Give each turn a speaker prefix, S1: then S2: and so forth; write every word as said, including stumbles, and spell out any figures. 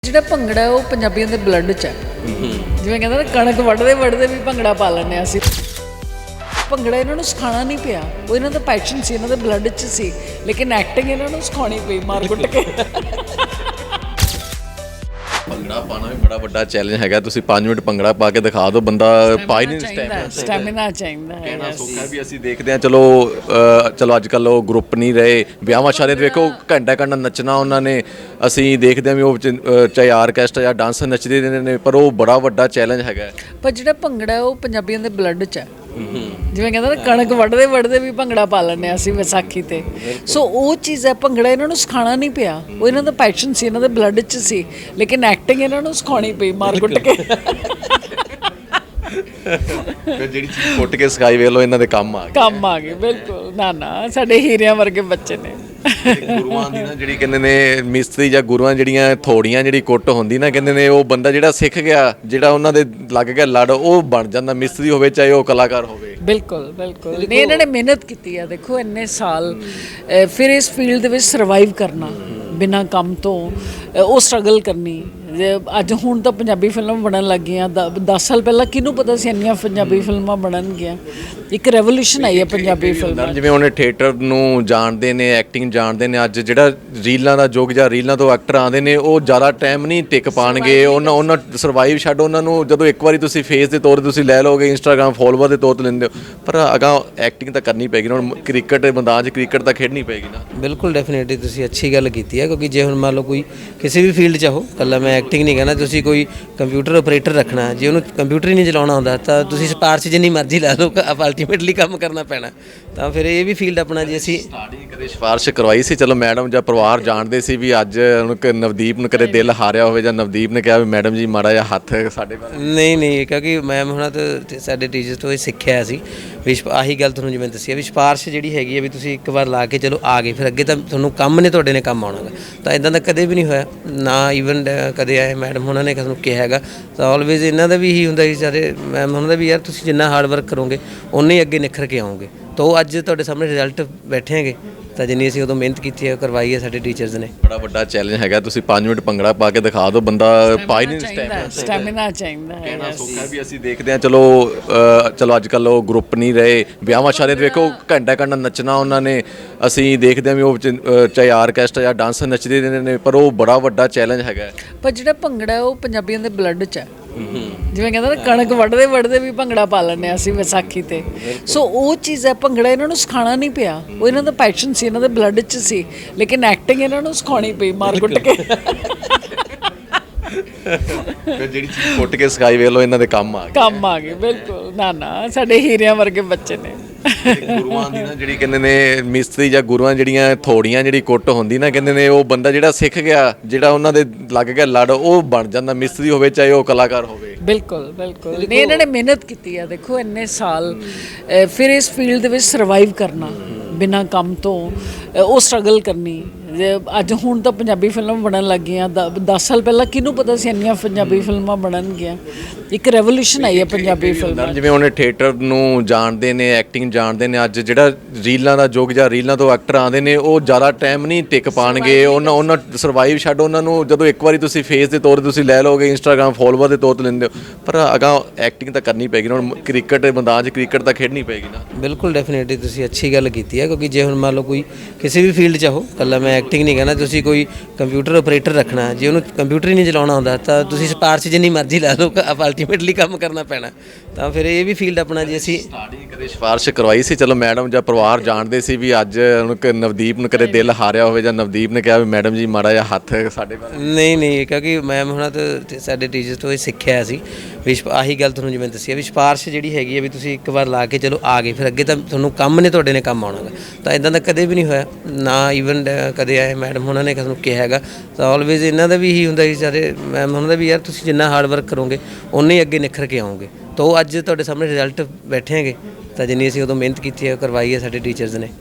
S1: ਜਿਹੜਾ ਭੰਗੜਾ ਉਹ ਪੰਜਾਬੀਆਂ ਦੇ ਬਲੱਡ 'ਚ ਹੈ। ਜਿਵੇਂ ਕਹਿੰਦਾ ਨਾ ਕਣਕ ਵੱਢਦੇ ਵੱਢਦੇ ਵੀ ਭੰਗੜਾ ਪਾ ਲੈਂਦੇ ਹਾਂ ਅਸੀਂ। ਭੰਗੜਾ ਇਹਨਾਂ ਨੂੰ ਸਿਖਾਉਣਾ ਨਹੀਂ ਪਿਆ, ਉਹ ਇਹਨਾਂ ਦਾ ਪੈਸ਼ਨ ਸੀ, ਇਹਨਾਂ ਦੇ ਬਲੱਡ 'ਚ ਸੀ, ਲੇਕਿਨ ਐਕਟਿੰਗ ਇਹਨਾਂ ਨੂੰ ਸਿਖਾਉਣੀ ਪਈ ਮਾਰ ਕੁੱਟ ਕੇ।
S2: ਭੰਗੜਾ ਪਾਣਾ ਵੀ ਬੜਾ ਵੱਡਾ ਚੈਲੰਜ ਹੈਗਾ। ਤੁਸੀਂ ਪੰਜ ਮਿੰਟ ਭੰਗੜਾ ਪਾ ਕੇ ਦਿਖਾ ਦਿਓ, ਬੰਦਾ ਪਾ ਹੀ ਨਹੀਂ ਸਟੈਮਿਨਾ
S1: ਸਟੈਮਿਨਾ ਚਾਹੀਦਾ ਹੈ।
S2: ਕਹਿਣਾ ਸੌਖਾ ਵੀ ਅਸੀਂ ਦੇਖਦੇ ਹਾਂ, ਚਲੋ ਚਲੋ ਅੱਜ ਕੱਲ੍ਹ ਉਹ ਗਰੁੱਪ ਨਹੀਂ ਰਹੇ, ਵਿਆਹਾਂ ਸ਼ਾਦੀਆਂ 'ਤੇ ਵੇਖੋ ਘੰਟਾ ਘੰਟਾ ਨੱਚਣਾ ਉਹਨਾਂ ਨੇ। ਅਸੀਂ ਦੇਖਦੇ ਹਾਂ ਵੀ ਉਹ ਚਾਹੇ ਆਰਕੈਸਟਰਾ ਜਾਂ ਡਾਂਸ ਨੱਚਦੇ ਨੇ, ਪਰ ਉਹ ਬੜਾ ਵੱਡਾ ਚੈਲੰਜ ਹੈਗਾ।
S1: ਪਰ ਜਿਹੜਾ ਭੰਗੜਾ ਉਹ ਪੰਜਾਬੀਆਂ ਦੇ ਬਲੱਡ 'ਚ ਹੈ। ਜਿਵੇਂ ਕਹਿੰਦਾ ਨਾ ਕਣਕ ਵੱਢਦੇ ਵੱਢਦੇ ਵੀ ਭੰਗੜਾ ਪਾ ਲੈਂਦੇ ਹਾਂ ਅਸੀਂ ਵਿਸਾਖੀ ਤੇ। ਸੋ ਉਹ ਚੀਜ਼ ਹੈ, ਭੰਗੜਾ ਇਹਨਾਂ ਨੂੰ ਸਿਖਾਉਣਾ ਨਹੀਂ ਪਿਆ, ਉਹ ਇਹਨਾਂ ਦਾ ਪੈਸ਼ਨ ਸੀ, ਇਹਨਾਂ ਦੇ ਬਲੱਡ 'ਚ ਸੀ, ਲੇਕਿਨ ਐਕਟਿੰਗ ਇਹਨਾਂ ਨੂੰ ਸਿਖਾਉਣੀ ਪਈ ਮਾਰ ਕੁੱਟ ਕੇ।
S2: ਫਿਰ ਜਿਹੜੀ ਚੀਜ਼ ਕੁੱਟ ਕੇ ਸਿਖਾਈ ਵੇਖ ਲਓ, ਇਹਨਾਂ ਦੇ ਕੰਮ ਆ ਗਈ
S1: ਕੰਮ ਆ ਗਏ। ਬਿਲਕੁਲ ਨਾ ਨਾ ਸਾਡੇ ਹੀਰਿਆਂ ਵਰਗੇ ਬੱਚੇ ਨੇ।
S2: ਗੁਰੂਆਂ ਦੀ ਨਾ ਜਿਹੜੀ ਕਹਿੰਦੇ ਨੇ ਮਿਸਤਰੀ ਜਾਂ ਗੁਰੂਆਂ ਜਿਹੜੀਆਂ ਥੋੜੀਆਂ ਜਿਹੜੀ ਕੁੱਟ ਹੁੰਦੀ ਨਾ, ਕਹਿੰਦੇ ਨੇ ਉਹ ਬੰਦਾ ਜਿਹੜਾ ਸਿੱਖ ਗਿਆ, ਜਿਹੜਾ ਉਹਨਾਂ ਦੇ ਲੱਗ ਗਿਆ ਲੜ, ਉਹ ਬਣ ਜਾਂਦਾ ਮਿਸਤਰੀ ਹੋਵੇ ਚਾਹੇ ਉਹ ਕਲਾਕਾਰ ਹੋਵੇ।
S1: ਬਿਲਕੁਲ ਬਿਲਕੁਲ ਨਹੀਂ, ਇਹਨਾਂ ਨੇ ਮਿਹਨਤ ਕੀਤੀ ਆ। ਦੇਖੋ ਇੰਨੇ ਸਾਲ ਫਿਰ ਇਸ ਫੀਲਡ ਦੇ ਵਿੱਚ ਸਰਵਾਈਵ ਕਰਨਾ ਬਿਨਾਂ ਕੰਮ ਤੋਂ, ਉਹ ਸਟਰਗਲ ਕਰਨੀ। ਅੱਜ ਹੁਣ ਤਾਂ ਪੰਜਾਬੀ ਫਿਲਮ ਬਣਨ ਲੱਗ ਗਈਆਂ, ਦਸ ਸਾਲ ਪਹਿਲਾਂ ਕਿਹਨੂੰ ਪਤਾ ਸੀ ਇੰਨੀਆਂ ਪੰਜਾਬੀ ਫਿਲਮਾਂ ਬਣਨਗੀਆਂ। ਇੱਕ ਰੈਵੋਲੂਸ਼ਨ ਆਈ ਹੈ ਪੰਜਾਬੀ ਫਿਲਮਾਂ।
S2: ਜਿਵੇਂ ਉਹਨੇ ਥੀਏਟਰ ਨੂੰ ਜਾਣਦੇ ਨੇ, ਐਕਟਿੰਗ ਜਾਣਦੇ ਨੇ, ਅੱਜ ਜਿਹੜਾ ਰੀਲਾਂ ਦਾ ਯੁੱਗ ਜਾਂ ਰੀਲਾਂ ਤੋਂ ਐਕਟਰ ਆਉਂਦੇ ਨੇ, ਉਹ ਜ਼ਿਆਦਾ ਟਾਈਮ ਨਹੀਂ ਟਿਕ ਪਾਉਣਗੇ। ਉਹਨਾਂ ਉਹਨਾਂ ਸਰਵਾਈਵ ਛੱਡ, ਉਹਨਾਂ ਨੂੰ ਜਦੋਂ ਇੱਕ ਵਾਰੀ ਤੁਸੀਂ ਫੇਸ ਦੇ ਤੌਰ 'ਤੇ ਤੁਸੀਂ ਲੈ ਲਓਗੇ, ਇੰਸਟਾਗ੍ਰਾਮ ਫੋਲੋਵਰ ਦੇ ਤੌਰ 'ਤੇ ਲੈਂਦੇ ਹੋ, ਪਰ ਅਗਾਂ ਐਕਟਿੰਗ ਤਾਂ ਕਰਨੀ ਪਏਗੀ। ਹੁਣ ਕ੍ਰਿਕਟ ਦੇ ਮੈਦਾਨ 'ਚ ਕ੍ਰਿਕਟ ਤਾਂ ਖੇਡਣੀ ਪਏਗੀ ਨਾ।
S3: ਬਿਲਕੁਲ ਡੈਫੀਨੇਟਲੀ ਤੁਸੀਂ ਅੱਛੀ ਗੱਲ ਕੀਤੀ ਹੈ, ਕਿਉਂਕਿ ਜੇ ਹੁਣ ਮੰਨ ਲਓ ਕੋਈ ਕਿਸੇ ਵੀ ਫੀਲਡ 'ਚ ਹੋ, ਇਕੱਲਾ ਮੈਂ ਐਕਟਿੰਗ ਨਹੀਂ ਕਹਿਣਾ, ਤੁਸੀਂ ਕੋਈ ਕੰਪਿਊਟਰ ਆਪਰੇਟਰ ਰੱਖਣਾ, ਜੇ ਉਹਨੂੰ ਕੰਪਿਊਟਰ ਹੀ ਨਹੀਂ ਚਲਾਉਣਾ ਆਉਂਦਾ ਤਾਂ ਤੁਸੀਂ ਸਿਫਾਰਸ਼ ਜਿੰਨੀ ਮਰਜ਼ੀ ਲਾ ਲਓ, ਅਲਟੀਮੇਟਲੀ ਕੰਮ ਕਰਨਾ ਪੈਣਾ। ਤਾਂ ਫਿਰ ਇਹ ਵੀ ਫੀਲਡ ਆਪਣਾ ਜੇ ਅਸੀਂ
S2: ਸਟਾਰਟਿੰਗ ਕਦੇ ਸਿਫਾਰਸ਼ ਕਰਵਾਈ ਸੀ, ਚਲੋ ਮੈਡਮ ਜਾਂ ਪਰਿਵਾਰ ਜਾਣਦੇ ਸੀ ਵੀ ਅੱਜ ਹੁਣ ਨਵਦੀਪ ਨੂੰ ਕਦੇ ਦਿਲ ਹਾਰਿਆ ਹੋਵੇ ਜਾਂ ਨਵਦੀਪ ਨੇ ਕਿਹਾ ਵੀ ਮੈਡਮ ਜੀ ਮਾੜਾ ਜਿਹਾ ਹੱਥ ਸਾਡੇ ਵੱਲ।
S3: ਨਹੀਂ ਨਹੀਂ, ਕਿਉਂਕਿ ਮੈਮ ਹੁਣਾਂ ਤੋਂ ਸਾਡੇ ਟੀਚਰਸ ਤੋਂ ਇਹ ਸਿੱਖਿਆ ਸੀ ਵੀ ਆਹੀ ਗੱਲ ਤੁਹਾਨੂੰ ਜਿਵੇਂ ਦੱਸਿਆ ਵੀ ਸਿਫਾਰਸ਼ ਜਿਹੜੀ ਹੈਗੀ ਹੈ ਵੀ ਤੁਸੀਂ ਇੱਕ ਵਾਰ ਲਾ ਕੇ ਚਲੋ ਆ ਗਏ, ਫਿਰ ਅੱਗੇ ਤਾਂ ਤੁਹਾਨੂੰ ਕੰਮ ਨੇ ਤੁਹਾਡੇ ਨੇ ਕੰਮ ਆਉਣਾ ਗਾ। ਤਾਂ ਇਦਾਂ ਦਾ ਕਦੇ ਵੀ ਨਹੀਂ ਹੋਇਆ ਨਾ, ਈਵਨ ਕਦੇ ਆਏ ਮੈਡਮ ਉਹਨਾਂ ਨੇ ਸਾਨੂੰ ਕਿਹਾ ਹੈਗਾ। ਤਾਂ ਆਲਵੇਜ਼ ਇਹਨਾਂ ਦਾ ਵੀ ਇਹੀ ਹੁੰਦਾ ਸੀ ਸਾਰੇ ਮੈਮ ਉਹਨਾਂ ਦਾ ਵੀ, ਯਾਰ ਤੁਸੀਂ ਜਿੰਨਾ ਹਾਰਡ ਵਰਕ ਕਰੋਗੇ ਉਨੇ ਹੀ ਅੱਗੇ ਨਿਖਰ ਕੇ ਆਓਗੇ। ਤਾਂ ਉਹ ਅੱਜ ਤੁਹਾਡੇ ਸਾਹਮਣੇ ਰਿਜ਼ਲਟ ਬੈਠੇ ਹੈਗੇ, ਤਾਂ ਜਿੰਨੀ ਅਸੀਂ ਉਦੋਂ ਮਿਹਨਤ ਕੀਤੀ ਹੈ ਕਰਵਾਈ ਹੈ ਸਾਡੇ ਟੀਚਰਸ ਨੇ।
S2: ਬੜਾ ਵੱਡਾ ਚੈਲੰਜ ਹੈਗਾ। ਤੁਸੀਂ ਪੰਜ ਮਿੰਟ ਭੰਗੜਾ ਪਾ ਕੇ ਦਿਖਾ ਦਿਓ, ਬੰਦਾ ਪਾ ਹੀ ਨਹੀਂ ਸਟੈਮਿਨਾ
S1: ਸਟੈਮਿਨਾ ਚਾਹੀਦਾ ਹੈ।
S2: ਕਹਿਣਾ ਸੌਖਾ ਵੀ ਅਸੀਂ ਦੇਖਦੇ ਹਾਂ, ਚਲੋ ਚਲੋ ਅੱਜ ਕੱਲ੍ਹ ਉਹ ਗਰੁੱਪ ਨਹੀਂ ਰਹੇ, ਵਿਆਹਾਂ ਸ਼ਾਦੀਆਂ 'ਤੇ ਵੇਖੋ ਘੰਟਾ ਘੰਟਾ ਨੱਚਣਾ ਉਹਨਾਂ ਨੇ। ਅਸੀਂ ਦੇਖਦੇ ਹਾਂ ਵੀ ਉਹ ਚਾਹੇ ਆਰਕੈਸਟਰਾ ਜਾਂ ਡਾਂਸ ਨੱਚਦੇ ਨੇ, ਪਰ ਉਹ ਬੜਾ ਵੱਡਾ ਚੈਲੰਜ ਹੈਗਾ।
S1: ਪਰ ਜਿਹੜਾ ਭੰਗੜਾ ਉਹ ਪੰਜਾਬੀਆਂ ਦੇ ਬਲੱਡ 'ਚ ਹੈ। ਜਿਵੇਂ ਕਹਿੰਦਾ ਨਾ ਕਣਕ ਵੱਢਦੇ ਵੱਢਦੇ ਵੀ ਭੰਗੜਾ ਪਾ ਲੈਂਦੇ ਹਾਂ ਅਸੀਂ ਵਿਸਾਖੀ ਤੇ। ਸੋ ਉਹ ਚੀਜ਼ ਹੈ, ਭੰਗੜਾ ਇਹਨਾਂ ਨੂੰ ਸਿਖਾਉਣਾ ਨਹੀਂ ਪਿਆ, ਉਹ ਇਹਨਾਂ ਦਾ ਪੈਸ਼ਨ ਸੀ, ਇਹਨਾਂ ਦੇ ਬਲੱਡ 'ਚ ਸੀ, ਲੇਕਿਨ ਐਕਟਿੰਗ ਇਹਨਾਂ ਨੂੰ ਸਿਖਾਉਣੀ ਪਈ ਮਾਰ ਕੁੱਟ ਕੇ।
S2: ਫਿਰ ਜਿਹੜੀ ਚੀਜ਼ ਕੁੱਟ ਕੇ ਸਿਖਾਈ ਵੇਖ ਲਓ, ਇਹਨਾਂ ਦੇ ਕੰਮ ਆ ਗਈ
S1: ਕੰਮ ਆ ਗਏ। ਬਿਲਕੁਲ ਨਾ ਨਾ ਸਾਡੇ ਹੀਰਿਆਂ ਵਰਗੇ ਬੱਚੇ ਨੇ।
S2: ਗੁਰੂਆਂ ਦੀ ਨਾ ਜਿਹੜੀ ਕਹਿੰਦੇ ਨੇ ਮਿਸਤਰੀ ਜਾਂ ਗੁਰੂਆਂ ਜਿਹੜੀਆਂ ਥੋੜੀਆਂ ਜਿਹੜੀ ਕੁੱਟ ਹੁੰਦੀ ਨਾ, ਕਹਿੰਦੇ ਨੇ ਉਹ ਬੰਦਾ ਜਿਹੜਾ ਸਿੱਖ ਗਿਆ, ਜਿਹੜਾ ਉਹਨਾਂ ਦੇ ਲੱਗ ਗਿਆ ਲੜ, ਉਹ ਬਣ ਜਾਂਦਾ ਮਿਸਤਰੀ ਹੋਵੇ ਚਾਹੇ ਉਹ ਕਲਾਕਾਰ ਹੋਵੇ।
S1: ਬਿਲਕੁਲ ਬਿਲਕੁਲ ਨਹੀਂ, ਇਹਨਾਂ ਨੇ ਮਿਹਨਤ ਕੀਤੀ ਆ। ਦੇਖੋ ਇੰਨੇ ਸਾਲ ਫਿਰ ਇਸ ਫੀਲਡ ਦੇ ਵਿੱਚ ਸਰਵਾਈਵ ਕਰਨਾ ਬਿਨਾਂ ਕੰਮ ਤੋਂ, ਉਹ ਸਟਰਗਲ ਕਰਨੀ। ਅੱਜ ਹੁਣ ਤਾਂ ਪੰਜਾਬੀ ਫਿਲਮ ਬਣਨ ਲੱਗ ਗਈਆਂ, ਦਸ ਸਾਲ ਪਹਿਲਾਂ ਕਿਹਨੂੰ ਪਤਾ ਸੀ ਇੰਨੀਆਂ ਪੰਜਾਬੀ ਫਿਲਮਾਂ ਬਣਨਗੀਆਂ। ਇੱਕ ਰੈਵੋਲੂਸ਼ਨ ਆਈ ਹੈ ਪੰਜਾਬੀ ਫਿਲਮਾਂ।
S2: ਜਿਵੇਂ ਉਹਨੇ ਥੀਏਟਰ ਨੂੰ ਜਾਣਦੇ ਨੇ, ਐਕਟਿੰਗ ਜਾਣਦੇ ਨੇ, ਅੱਜ ਜਿਹੜਾ ਰੀਲਾਂ ਦਾ ਯੁੱਗ ਜਾਂ ਰੀਲਾਂ ਤੋਂ ਐਕਟਰ ਆਉਂਦੇ ਨੇ, ਉਹ ਜ਼ਿਆਦਾ ਟਾਈਮ ਨਹੀਂ ਟਿਕ ਪਾਉਣਗੇ। ਉਹਨਾਂ ਉਹਨਾਂ ਸਰਵਾਈਵ ਛੱਡ, ਉਹਨਾਂ ਨੂੰ ਜਦੋਂ ਇੱਕ ਵਾਰੀ ਤੁਸੀਂ ਫੇਸ ਦੇ ਤੌਰ 'ਤੇ ਤੁਸੀਂ ਲੈ ਲਓਗੇ, ਇੰਸਟਾਗ੍ਰਾਮ ਫੋਲੋਵਰ ਦੇ ਤੌਰ 'ਤੇ ਲੈਂਦੇ ਹੋ, ਪਰ ਅਗਾਂ ਐਕਟਿੰਗ ਤਾਂ ਕਰਨੀ ਪਏਗੀ। ਹੁਣ ਕ੍ਰਿਕਟ ਦੇ ਮੈਦਾਨ 'ਚ ਕ੍ਰਿਕਟ ਤਾਂ ਖੇਡਣੀ ਪਏਗੀ ਨਾ।
S3: ਬਿਲਕੁਲ ਡੈਫੀਨੇਟਲੀ ਤੁਸੀਂ ਅੱਛੀ ਗੱਲ ਕੀਤੀ ਹੈ, ਕਿਉਂਕਿ ਜੇ ਹੁਣ ਮੰਨ ਲਓ ਕੋਈ ਕਿਸੇ ਵੀ ਫੀਲਡ 'ਚ ਹੋ, ਇਕੱਲਾ ਮੈਂ ਐਕਟਿੰਗ ਨਹੀਂ ਕਹਿਣਾ, ਤੁਸੀਂ ਕੋਈ ਕੰਪਿਊਟਰ ਆਪਰੇਟਰ ਰੱਖਣਾ, ਜੇ ਉਹਨੂੰ ਕੰਪਿਊਟਰ ਹੀ ਨਹੀਂ ਚਲਾਉਣਾ ਆਉਂਦਾ ਤਾਂ ਤੁਸੀਂ ਸਿਫਾਰਸ਼ ਜਿੰਨੀ ਮਰਜ਼ੀ ਲਾ ਲਓ, ਅਲਟੀਮੇਟਲੀ ਕੰਮ ਕਰਨਾ ਪੈਣਾ। ਤਾਂ ਫਿਰ ਇਹ ਵੀ ਫੀਲਡ ਆਪਣਾ ਜੇ ਅਸੀਂ
S2: ਸਟਾਰਟਿੰਗ ਕਦੇ ਸਿਫਾਰਸ਼ ਕਰਵਾਈ ਸੀ, ਚਲੋ ਮੈਡਮ ਜਾਂ ਪਰਿਵਾਰ ਜਾਣਦੇ ਸੀ ਵੀ ਅੱਜ ਹੁਣ ਨਵਦੀਪ ਨੂੰ ਕਦੇ ਦਿਲ ਹਾਰਿਆ ਹੋਵੇ ਜਾਂ ਨਵਦੀਪ ਨੇ ਕਿਹਾ ਵੀ ਮੈਡਮ ਜੀ ਮਾੜਾ ਜਿਹਾ ਹੱਥ ਸਾਡੇ ਵੱਲ।
S3: ਨਹੀਂ ਨਹੀਂ, ਕਿਉਂਕਿ ਮੈਮ ਹੁਣਾਂ ਤੋਂ ਸਾਡੇ ਟੀਚਰਸ ਤੋਂ ਇਹ ਸਿੱਖਿਆ ਸੀ ਵੀ ਆਹੀ ਗੱਲ ਤੁਹਾਨੂੰ ਜਿਵੇਂ ਦੱਸਿਆ ਵੀ ਸਿਫਾਰਸ਼ ਜਿਹੜੀ ਹੈਗੀ ਹੈ ਵੀ ਤੁਸੀਂ ਇੱਕ ਵਾਰ ਲਾ ਕੇ ਚਲੋ ਆ ਗਏ, ਫਿਰ ਅੱਗੇ ਤਾਂ ਤੁਹਾਨੂੰ ਕੰਮ ਨੇ ਤੁਹਾਡੇ ਨੇ ਕੰਮ ਆਉਣਾ ਗਾ। ਤਾਂ ਇਦਾਂ ਦਾ ਕਦੇ ਵੀ ਨਹੀਂ ਹੋਇਆ ਨਾ, ਈਵਨ ਕਦੇ ਆਏ ਮੈਡਮ ਉਹਨਾਂ ਨੇ ਸਾਨੂੰ ਕਿਹਾ ਹੈਗਾ। ਤਾਂ ਆਲਵੇਜ਼ ਇਹਨਾਂ ਦਾ ਵੀ ਇਹੀ ਹੁੰਦਾ ਸੀ ਸਾਰੇ ਮੈਮ ਉਹਨਾਂ ਦਾ ਵੀ, ਯਾਰ ਤੁਸੀਂ ਜਿੰਨਾ ਹਾਰਡ ਵਰਕ ਕਰੋਗੇ ਉਨੇ ਹੀ ਅੱਗੇ ਨਿਖਰ ਕੇ ਆਓਗੇ। ਤਾਂ ਉਹ ਅੱਜ ਤੁਹਾਡੇ ਸਾਹਮਣੇ ਰਿਜ਼ਲਟ ਬੈਠੇ ਹੈਗੇ, ਤਾਂ ਜਿੰਨੀ ਅਸੀਂ ਉਦੋਂ ਮਿਹਨਤ ਕੀਤੀ ਹੈ ਕਰਵਾਈ ਹੈ ਸਾਡੇ ਟੀਚਰਸ ਨੇ।